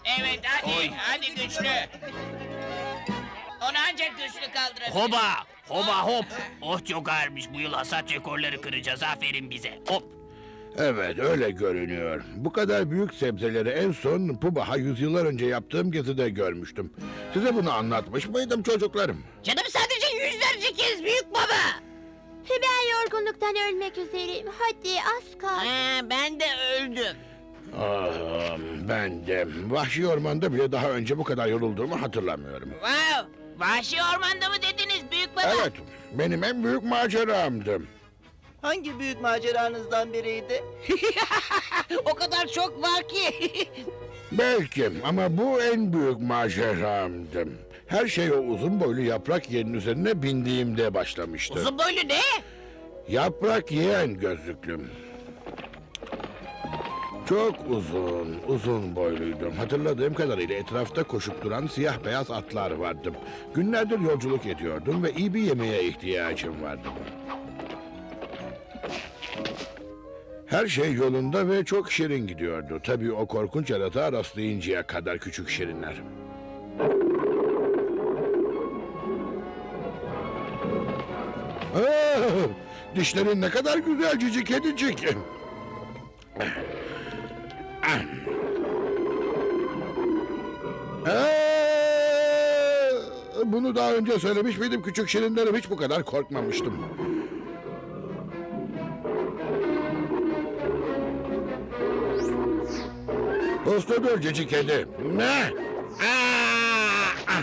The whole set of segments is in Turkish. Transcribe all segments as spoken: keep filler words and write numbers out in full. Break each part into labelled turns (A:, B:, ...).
A: Evet hadi,
B: Oy.
A: hadi güçlü. Onu ancak güçlü kaldırabilir.
B: Hoba! Hoba hop! Oh çok ağırmış, bu yıl hasat rekorları kıracağız, aferin bize. Hop!
C: Evet, öyle görünüyor. Bu kadar büyük sebzeleri en son Pubaha yüzyıllar önce yaptığım gezide görmüştüm. Size bunu anlatmış mıydım çocuklarım?
A: Canım sadece yüzlerce kez büyük baba.
D: Ben yorgunluktan ölmek üzereyim. Hadi az kal.
A: Ee, ben de öldüm.
C: Ah, ben de vahşi ormanda bile daha önce bu kadar yorulduğumu hatırlamıyorum.
A: Wow, vahşi ormanda mı dediniz büyük baba?
C: Evet, benim en büyük maceramdı.
E: Hangi büyük maceranızdan biriydi?
A: O kadar çok var ki.
C: Belki ama bu en büyük maceramdı. Her şey o uzun boylu yaprak yiyenin üzerine bindiğimde başlamıştı.
A: Uzun boylu ne?
C: Yaprak yiyen gözlüklüm. Çok uzun, uzun boyluydum. Hatırladığım kadarıyla etrafta koşup duran siyah beyaz atlar vardı. Günlerdir yolculuk ediyordum ve iyi bir yemeğe ihtiyacım vardı. Her şey yolunda ve çok şirin gidiyordu. Tabii o korkunç yaratığa rastlayıncaya kadar küçük şirinler. Ah, dişlerin ne kadar güzel cici kedicik. Ee, bunu daha önce söylemiş miydim küçük şirinlerim, hiç bu kadar korkmamıştım. Usta dur cici kedi. Ne? Aa, ah.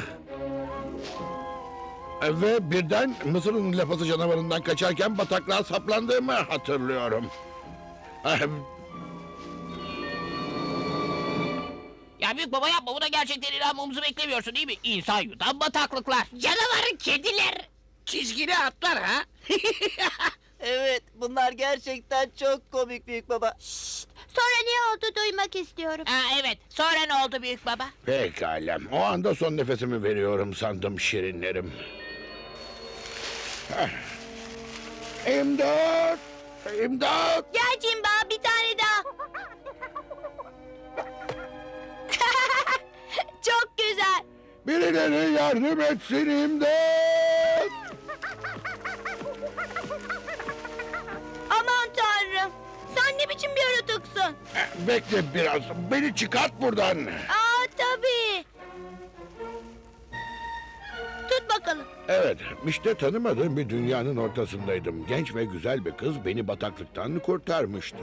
C: Ve birden Mısır'ın lapası canavarından kaçarken bataklığa saplandığımı hatırlıyorum. Ah,
B: Ya büyük baba yapma, buna gerçekten inanmamızı beklemiyorsun değil mi? İnsan yutan bataklıklar.
A: Canavarın kediler. Çizgili atlar ha?
E: Evet, bunlar gerçekten çok komik büyük baba.
D: Sonra ne oldu duymak istiyorum.
A: Ha, evet, sonra ne oldu büyük baba?
C: pekala. O anda son nefesimi veriyorum sandım şirinlerim. Ah. İmdat! İmdat!
D: Gel Cimba bir tane daha. Çok güzel.
C: Birileri yardım etsin, imdat!
D: Aman tanrım. Sen ne biçim bir yaratıksın?
C: Eh, Bekle biraz, beni çıkart buradan.
D: Aa tabii. Tut bakalım.
C: Evet, işte tanımadığım bir dünyanın ortasındaydım. Genç ve güzel bir kız beni bataklıktan kurtarmıştı.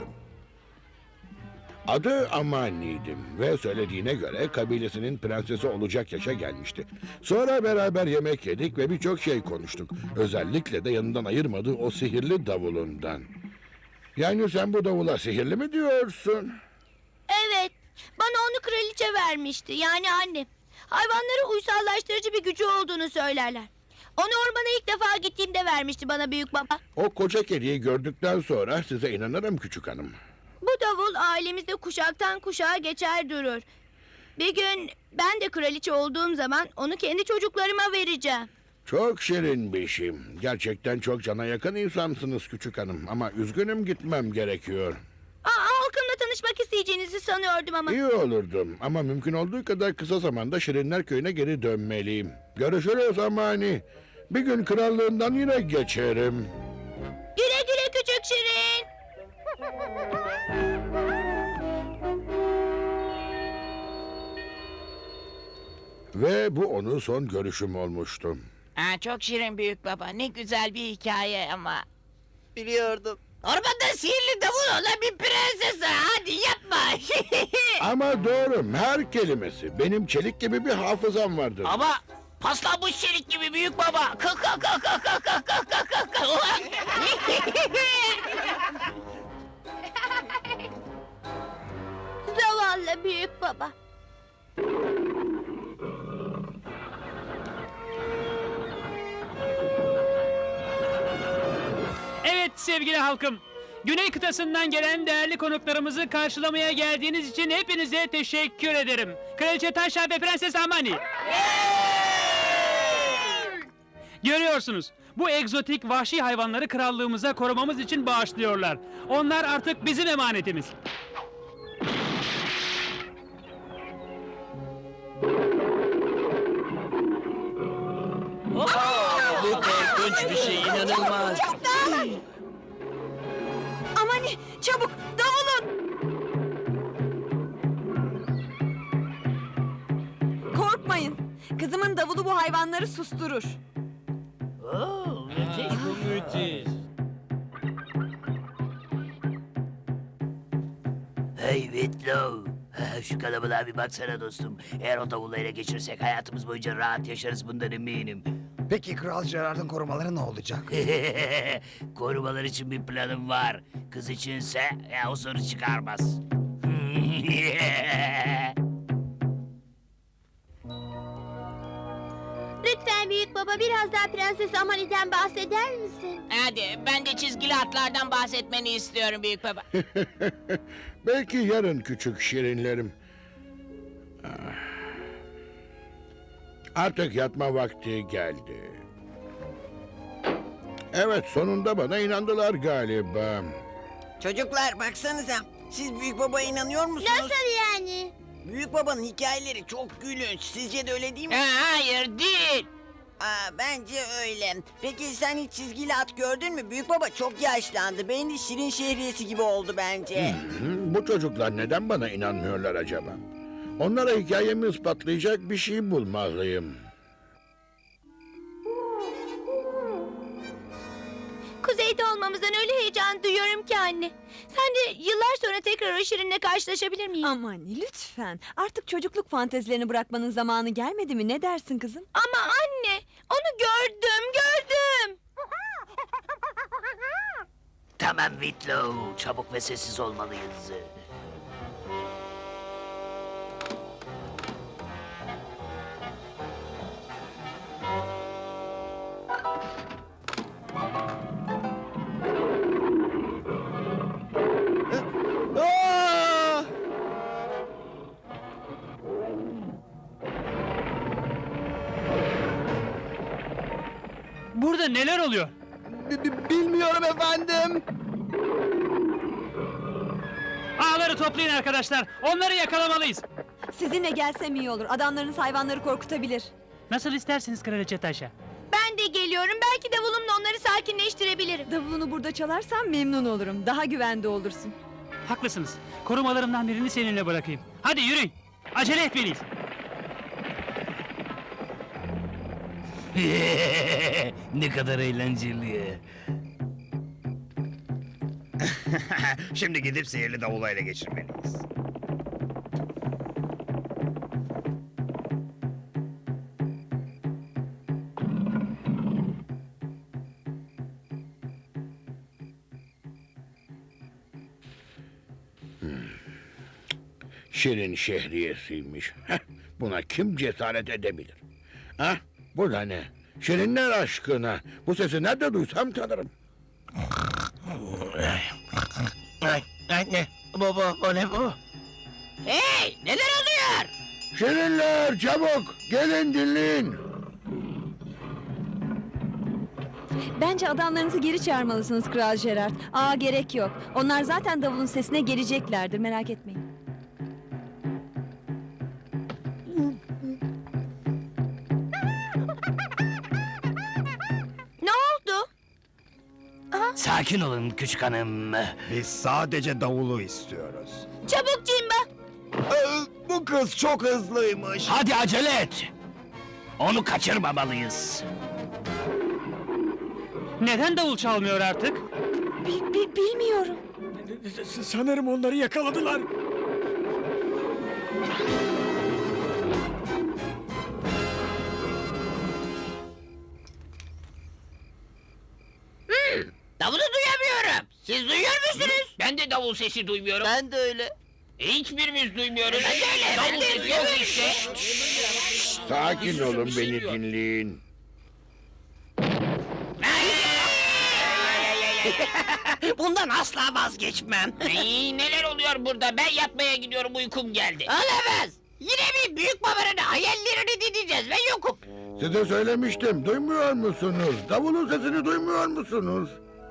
C: Adı Amani'ydim ve söylediğine göre kabilesinin prensesi olacak yaşa gelmişti. Sonra beraber yemek yedik ve birçok şey konuştuk. Özellikle de yanından ayırmadığı o sihirli davulundan. Yani sen bu davula sihirli mi diyorsun?
D: Evet. Bana onu kraliçe vermişti. Yani annem. Hayvanları uysallaştırıcı bir gücü olduğunu söylerler. Onu ormana ilk defa gittiğimde vermişti bana büyük baba.
C: O koca kediyi gördükten sonra size inanırım küçük hanım.
D: Bu davul ailemizde kuşaktan kuşağa geçer durur. Bir gün ben de kraliçe olduğum zaman onu kendi çocuklarıma vereceğim.
C: Çok şirin bir şey. Gerçekten çok cana yakın insansınız küçük hanım. Ama üzgünüm, gitmem gerekiyor.
D: Aa, halkımla tanışmak isteyeceğinizi sanıyordum ama.
C: İyi olurdum ama mümkün olduğu kadar kısa zamanda Şirinler Köyü'ne geri dönmeliyim. Görüşürüz Amani. Bir gün krallığından yine geçerim.
D: Güle güle küçük Şirin.
B: Ve bu onun son görüşüm olmuştu.
A: Ha, çok şirin büyük baba. Ne güzel bir hikaye ama.
E: Biliyordum.
A: Ormanda sihirli davul olan bir prenses. Hadi yapma.
C: Ama doğru, her kelimesi. Benim çelik gibi bir hafızam vardır.
B: Ama paslanmış çelik gibi büyük baba. Kalk kalk kalk kalk kalk kalk kalk kalk kalk kalk.
D: Zavallı büyük baba.
F: Evet sevgili halkım. Güney kıtasından gelen değerli konuklarımızı karşılamaya geldiğiniz için hepinize teşekkür ederim. Kraliçe Taşa ve Prenses Amani. Görüyorsunuz, bu egzotik vahşi hayvanları krallığımıza korumamız için bağışlıyorlar. Onlar artık bizim emanetimiz.
E: İlginç bir şey, inanılmaz.
G: Amani çabuk davulun. Korkmayın. Kızımın davulu bu hayvanları susturur.
B: Oo, müthiş.
H: Hey Whitlow. Şu kalabalığa bir baksana dostum. Eğer o davulu ele geçirsek hayatımız boyunca rahat yaşarız, bundan eminim.
I: Peki Kral Gerard'ın korumaları ne olacak?
H: Korumalar için bir planım var. Kız içinse ya, o soru çıkarmaz.
D: Lütfen büyük baba biraz daha Prenses Amani'den bahseder misin?
B: Hadi ben de çizgili atlardan bahsetmeni istiyorum büyük baba.
C: Belki yarın küçük şirinlerim. Ah. Artık yatma vakti geldi. Evet, sonunda bana inandılar galiba.
E: Çocuklar baksanıza. Siz Büyük Baba'ya inanıyor musunuz?
D: Nasıl yani?
E: Büyük Baba'nın hikayeleri çok gülünç. Sizce de öyle değil mi?
B: Ha, hayır değil.
E: Aa, bence öyle. Peki sen hiç çizgili at gördün mü? Büyük Baba çok yaşlandı. Beyni Şirin Şehriyesi gibi oldu bence.
C: Hı, bu çocuklar neden bana inanmıyorlar acaba? Onlara hikayemi ispatlayacak bir şey bulmalıyım.
D: Kuzeyde olmamızdan öyle heyecan duyuyorum ki anne. Sen de yıllar sonra tekrar o Şirin'le karşılaşabilir miyim?
G: Amani lütfen. Artık çocukluk fantezilerini bırakmanın zamanı gelmedi mi? Ne dersin kızım?
D: Ama anne, onu gördüm, gördüm.
H: Tamam Whitlow, çabuk ve sessiz olmalıyız.
E: Aa!
F: Burada neler oluyor?
E: Bilmiyorum efendim.
F: Ağları toplayın arkadaşlar. Onları yakalamalıyız.
G: Sizinle gelsem iyi olur. Adamlarınız hayvanları korkutabilir.
F: Nasıl isterseniz Kraliçe Taşa.
D: Ben de geliyorum. Belki davulumla onları sakinleştirebilirim.
G: Davulunu burada çalarsan memnun olurum. Daha güvende olursun.
F: Haklısınız. Korumalarımdan birini seninle bırakayım. Hadi yürüyün. Acele etmeliyiz.
H: Ne kadar eğlenceli.
I: Şimdi gidip sihirli davulu ele geçirmeliyiz.
C: Şirin şehriyesiymiş. Heh, buna kim cesaret edebilir? Ha? Bu da ne? Şirinler aşkına. Bu sesi nerede duysam tanırım.
H: Anne, baba, o ne bu?
B: Hey, neler oluyor?
C: Şirinler çabuk gelin dinleyin.
G: Bence adamlarınızı geri çağırmalısınız Kral Gerard. Aa gerek yok. Onlar zaten davulun sesine geleceklerdir. Merak etmeyin.
D: Ne oldu?
H: Sakin olun küçük hanım.
I: Biz sadece davulu istiyoruz.
D: Çabuk Cimba.
I: Ee, bu kız çok hızlıymış.
H: Hadi acele et. Onu kaçırmamalıyız.
F: Neden davul çalmıyor artık?
G: Bi- bi- bilmiyorum.
I: Sanırım onları yakaladılar.
B: Davulu duyamıyorum. Siz duyuyor musunuz? Ben de davul sesi duymuyorum.
E: Ben de öyle.
B: E, hiçbirimiz duymuyoruz. Ben de öyle. Davul sesi yok işte.
C: Sakin olun, beni dinleyin.
E: Bundan asla vazgeçmem.
B: Ay, neler oluyor burada? Ben yatmaya gidiyorum, uykum geldi. Olamaz. Yine bir büyük babanın hayallerini dinleyeceğiz ve yokum.
C: Size söylemiştim, duymuyor musunuz? Davulun sesini duymuyor musunuz?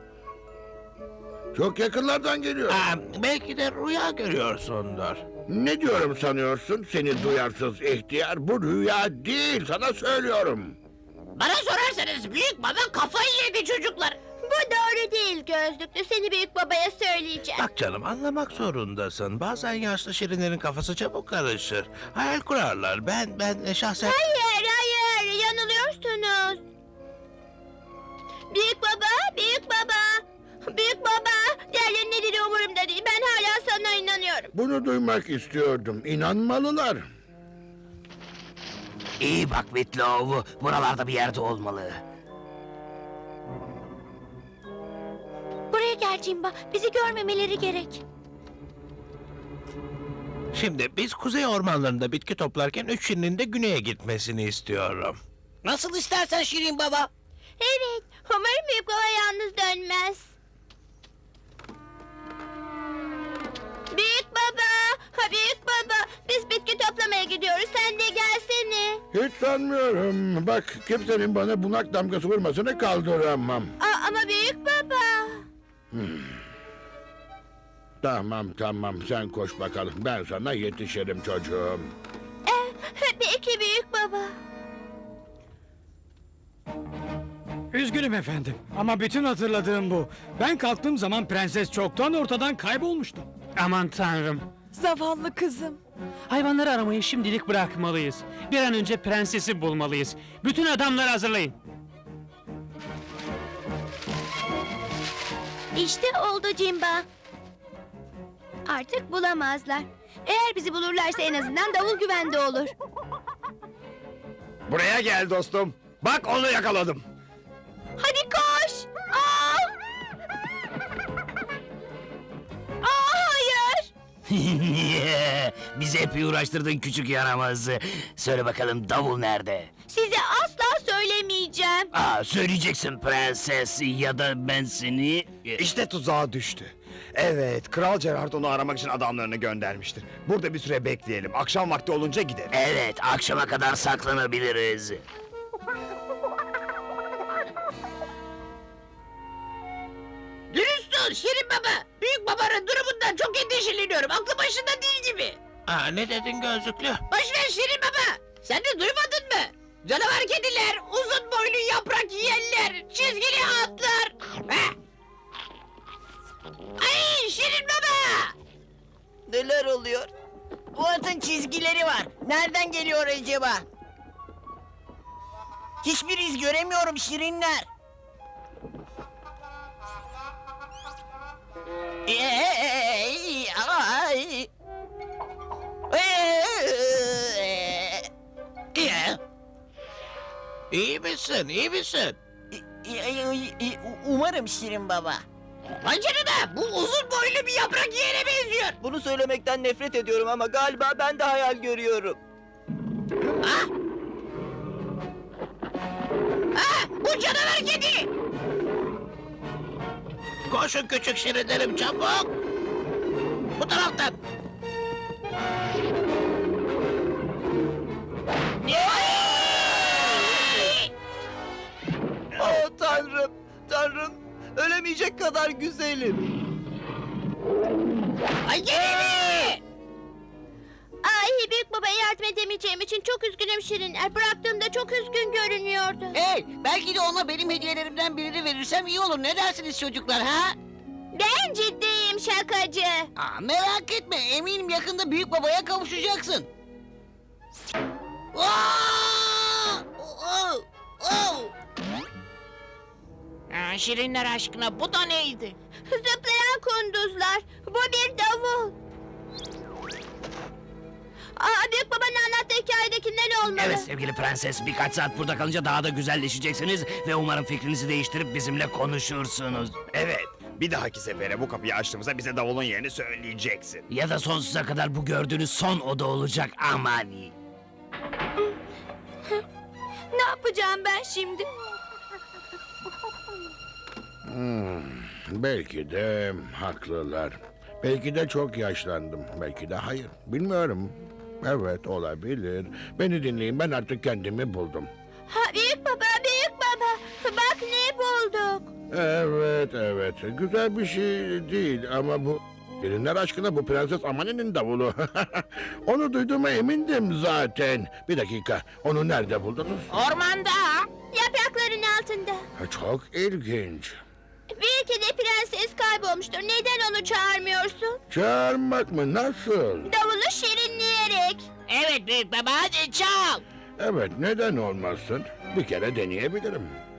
C: Çok yakınlardan geliyor.
H: belki de rüya görüyorsundur.
C: Ne diyorum sanıyorsun seni duyarsız ihtiyar? Bu rüya değil, sana söylüyorum.
B: Bana sorarsanız büyük baba kafayı yedi çocuklar.
D: Bu doğru değil gözlüklü. Seni büyük babaya söyleyeceğim.
J: Bak canım anlamak zorundasın. Bazen yaşlı şirinlerin kafası çabuk karışır. Hayal kurarlar. Ben ben şahsen...
D: Hayır hayır yanılıyorsunuz. Büyük baba, büyük baba. Büyük baba. Diğerlerinin ne dediği umurumda değil. Ben hala sana inanıyorum.
C: Bunu duymak istiyordum. İnanmalılar.
H: İyi bak Whitlow, buralarda bir yerde olmalı.
D: Buraya gel Cimba. Bizi görmemeleri gerek.
J: Şimdi biz kuzey ormanlarında bitki toplarken üç şirinin de güneye gitmesini istiyorum.
B: Nasıl istersen Şirin baba.
D: Evet. Umarım büyük baba yalnız dönmez. Büyük baba. Ha, büyük baba. Biz bitki toplamaya gidiyoruz. Sen de gelsene.
C: Hiç sanmıyorum. Bak kimsenin bana bunak damgası vurmasını kaldıramam.
D: Aa, ama büyük baba.
C: Tamam tamam sen koş bakalım. Ben sana yetişirim çocuğum.
D: Ee, peki büyük baba.
K: Üzgünüm efendim ama bütün hatırladığım bu. Ben kalktığım zaman prenses çoktan ortadan kaybolmuştu.
F: Aman tanrım.
G: Zavallı kızım.
F: Hayvanları aramayı şimdilik bırakmalıyız. Bir an önce prensesi bulmalıyız. Bütün adamları hazırlayın.
D: İşte oldu Cimba. Artık bulamazlar. Eğer bizi bulurlarsa en azından davul güvende olur.
I: Buraya gel dostum. Bak onu yakaladım.
D: Hadi koş. Aa! Aa, hayır.
H: Bizi epey uğraştırdın küçük yaramaz. Söyle bakalım davul nerede?
D: Size asla söylemeyeceğim.
H: Aa, söyleyeceksin prenses ya da ben seni...
I: İşte tuzağa düştü. Evet, Kral Gerard onu aramak için adamlarını göndermiştir. Burada bir süre bekleyelim. Akşam vakti olunca gidelim.
H: Evet, akşama kadar saklanabiliriz.
B: Dürüst ol Şirin baba. Büyük babanın durumundan çok endişeleniyorum. Aklı başında değil gibi.
J: Aa, ne dedin gözlüklü?
B: Boş ver Şirin baba. Sen de duymadın mı? Canavar kediler, uzun boylu yaprak yiyenler, çizgili atlar. Heh. Ay Şirin baba.
E: Neler oluyor? Bu atın çizgileri var. Nereden geliyor acaba? Hiçbir iz göremiyorum şirinler. Ey, ay.
B: Ee,
J: İyi misin, iyi misin?
E: Umarım Şirin Baba.
B: Vay canına, bu uzun boylu bir yaprak yiyene benziyor.
E: Bunu söylemekten nefret ediyorum ama galiba ben de hayal görüyorum.
B: Ah! Ah, bu canavar kedi.
J: Koşun küçük şirinlerim çabuk. Bu taraftan.
E: Oh tanrım, tanrım. Ölemeyecek kadar güzelim.
B: Ay gene mi?
D: Ay büyük babaya yardım edemeyeceğim için çok üzgünüm Şirinler. Bıraktığımda çok üzgün görünüyordu.
B: Hey, belki de ona benim hediyelerimden birini verirsem iyi olur. Ne dersiniz çocuklar ha?
D: Ben ciddiyim şakacı.
B: Aa, merak etme, eminim yakında büyük babaya kavuşacaksın. Aa! Oh! Oh! Aa, şirinler aşkına bu da neydi?
D: Zıplayan kunduzlar. Bu bir davul. Aa, büyük babanın anlattığı hikayedekinden olmalı.
H: Evet sevgili prenses, birkaç saat burada kalınca daha da güzelleşeceksiniz ve umarım fikrinizi değiştirip bizimle konuşursunuz.
I: Evet, bir dahaki sefere bu kapıyı açtığımızda bize davulun yerini söyleyeceksin.
H: Ya da sonsuza kadar bu gördüğünüz son oda olacak aman.
D: Ne yapacağım ben şimdi?
C: Hmm, belki de haklılar. Belki de çok yaşlandım. Belki de hayır. Bilmiyorum. Evet olabilir. Beni dinleyin, ben artık kendimi buldum.
D: Ha, büyük baba, büyük baba. Bak ne bulduk.
C: Evet evet. Güzel bir şey değil ama bu... Şirinler aşkına bu Prenses Amani'nin davulu. Onu duyduğuma emindim zaten. Bir dakika. Onu nerede buldunuz?
B: Ormanda.
D: yaprakların altında.
C: Ha, çok ilginç.
D: Belki de prenses kaybolmuştur. Neden onu çağırmıyorsun?
C: Çağırmak mı? Nasıl?
D: Davulu şirinleyerek.
B: Evet büyük baba hadi çal.
C: Evet, neden olmasın? Bir kere deneyebilirim.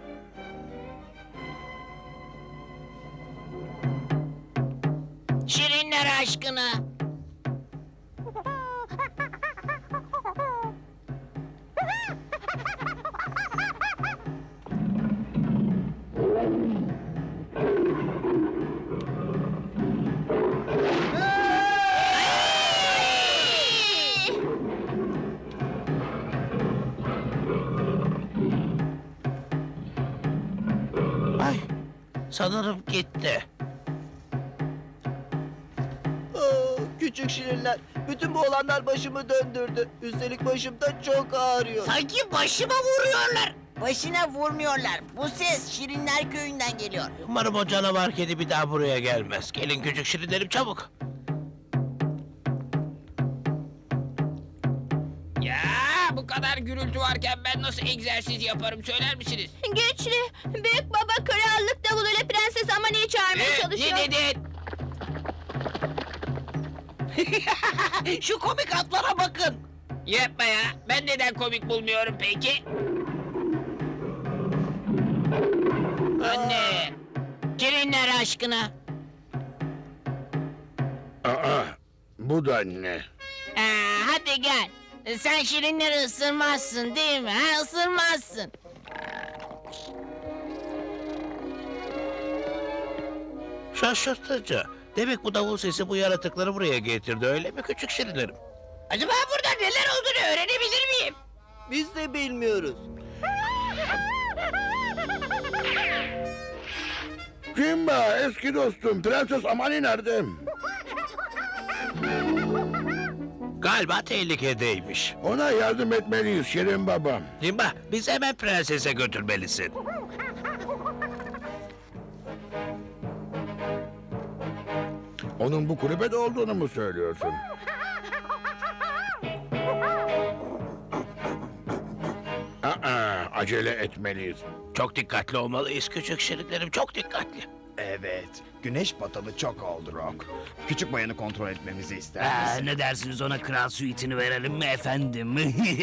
B: Şirinler aşkına.
J: Ay, sanırım gitti.
L: Aa, küçük şirinler. Bütün bu olanlar başımı döndürdü. Üstelik başım da çok ağrıyor.
B: Sanki başıma vuruyorlar.
E: Başına vurmuyorlar. Bu ses Şirinler köyünden geliyor.
J: Umarım o canavar kedi bir daha buraya gelmez. Gelin küçük şirinlerim çabuk.
B: Ya bu kadar gürültü varken ben nasıl egzersiz yaparım söyler misiniz?
D: Güçlü, büyük baba krallık davuluyla Prenses Amani'yi çağırmaya
B: Ne,
D: çalışıyor.
B: ne dedin?
H: Şu komik atlara bakın.
B: Yapma ya. Ben neden komik bulmuyorum peki? Anne. Şirinler aşkına.
C: Aa, bu da ne?
B: Aa, hadi gel. Sen şirinleri ısırmazsın değil mi? Ha, ısırmazsın.
J: Şaşırtıcı. Demek bu davul sesi bu yaratıkları buraya getirdi öyle mi küçük şirinlerim?
B: Acaba burada neler olduğunu öğrenebilir miyim?
L: Biz de bilmiyoruz.
C: Simba, eski dostum. Prenses Amani nerede?
J: Galiba tehlikedeymiş.
C: Ona yardım etmeliyiz Şirin babam.
J: Simba, bizi hemen prensese götürmelisin.
C: Onun bu kulübede olduğunu mu söylüyorsun? Aa, acele etmeliyiz.
J: Çok dikkatli olmalıyız küçük şirinlerim, çok dikkatli.
I: Evet. Güneş batalı çok oldu Rock. Küçük bayanı kontrol etmemizi ister
H: Aa,
I: misin?
H: ne dersiniz ona kral suitini verelim mi efendim?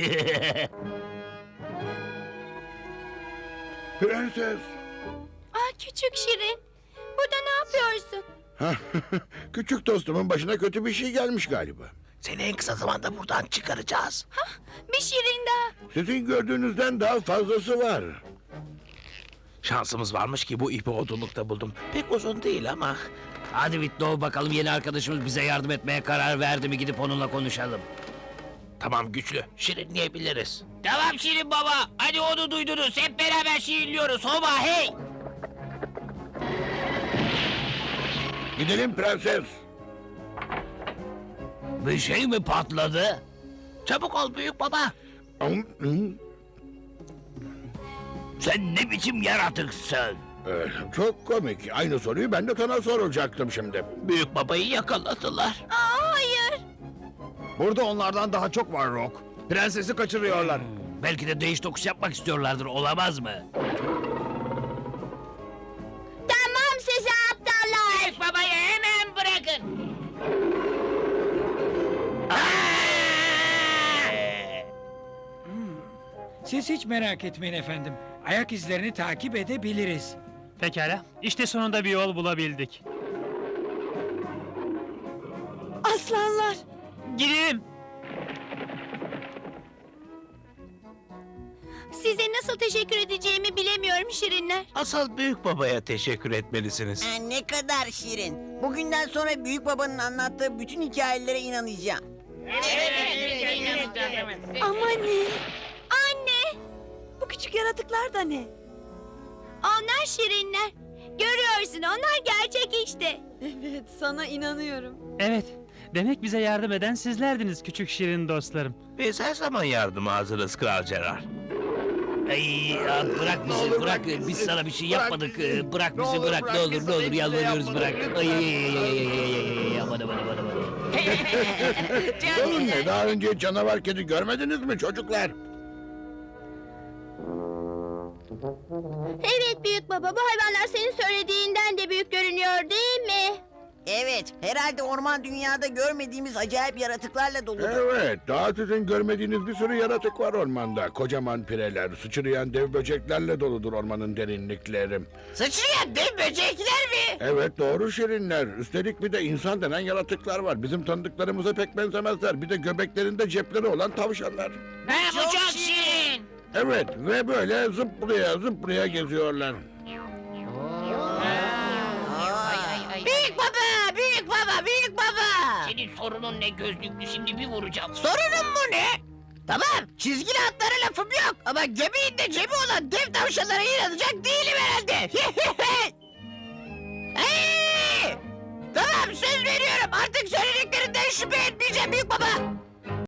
C: Prenses.
D: Ah küçük şirin, burada ne yapıyorsun?
C: Küçük dostumun başına kötü bir şey gelmiş galiba.
J: Seni en kısa zamanda buradan çıkaracağız.
D: Bir şirin daha.
C: Sizin gördüğünüzden daha fazlası var.
J: Şansımız varmış ki bu ipi odunlukta buldum. Pek uzun değil ama.
H: Hadi Whitlow bakalım yeni arkadaşımız bize yardım etmeye karar verdi mi gidip onunla konuşalım.
J: Tamam güçlü, şirinleyebiliriz.
B: Tamam Şirin baba. Hadi onu duydunuz. Hep beraber şirinliyoruz. Hoba hey.
C: Gidelim prenses.
H: Bir şey mi patladı?
J: Çabuk ol büyük baba.
H: Sen ne biçim yaratıksın?
C: Ee, çok komik. Aynı soruyu ben de sana soracaktım şimdi.
J: Büyük babayı yakaladılar.
D: Aa hayır.
I: Burada onlardan daha çok var Rock. Prensesi kaçırıyorlar.
H: Belki de değiş tokuş yapmak istiyorlardır, olamaz mı?
D: Tamam size aptallar.
B: Büyük babayı hemen bırakın.
K: Siz hiç merak etmeyin efendim. Ayak izlerini takip edebiliriz.
F: Pekala, işte sonunda bir yol bulabildik.
G: Aslanlar.
F: Gidelim.
D: Size nasıl teşekkür edeceğimi bilemiyorum şirinler.
J: Asıl büyük babaya teşekkür etmelisiniz.
E: Ha, ne kadar şirin. Bugünden sonra büyük babanın anlattığı bütün hikayelere inanacağım.
G: Amani.
D: Anne,
G: Bu küçük yaratıklar da ne?
D: onlar şirinler. Görüyorsun onlar gerçek işte.
G: Evet, sana inanıyorum.
F: Evet, demek bize yardım eden sizlerdiniz küçük şirin dostlarım.
J: Biz her zaman yardıma hazırız Kral Gerard.
H: Ay, ya bırak bizi,
I: olur,
H: bırak.
I: bırak bizi.
H: Biz sana bir şey
I: Bırak
H: yapmadık.
I: bizi.
H: Bırak
I: Ne
H: bizi,
I: olur,
H: bırak.
I: bırak
H: Ne olur,
I: bizi.
H: ne olur,
I: Hiçbir şey
H: yalvarıyoruz,
I: yapmadık,
H: bırak.
I: lütfen.
H: Ay, ay, ay, ay, ay, ay, ay, ay, aman, aman, aman, aman.
C: Sorun ne? Daha önce canavar kedi görmediniz mi çocuklar?
D: Evet büyük baba, bu hayvanlar senin söylediğinden de büyük görünüyor değil mi?
E: Evet, herhalde orman dünyada görmediğimiz acayip yaratıklarla doludur.
C: Evet, daha sizin görmediğiniz bir sürü yaratık var ormanda. Kocaman pireler, sıçrayan dev böceklerle doludur ormanın derinlikleri.
B: Sıçrayan dev böcekler mi?
C: Evet, doğru şirinler. Üstelik bir de insan denen yaratıklar var. Bizim tanıdıklarımıza pek benzemezler. Bir de göbeklerinde cepleri olan tavşanlar.
B: Ha, bu çok şirin.
C: Evet, ve böyle zıplaya zıplaya geziyorlar.
B: Ay, ay, ay.
A: Büyük baba, büyük baba, büyük baba.
B: Senin sorunun ne gözlüklü, şimdi bir vuracağım.
A: Sorunun mu ne? Tamam, çizgili atlara lafım yok. Ama göbeğinde cebi olan dev tavşanlara inanacak değilim herhalde. Hey! Tamam, söz veriyorum. Artık söylediklerinden şüphe etmeyeceğim büyük baba.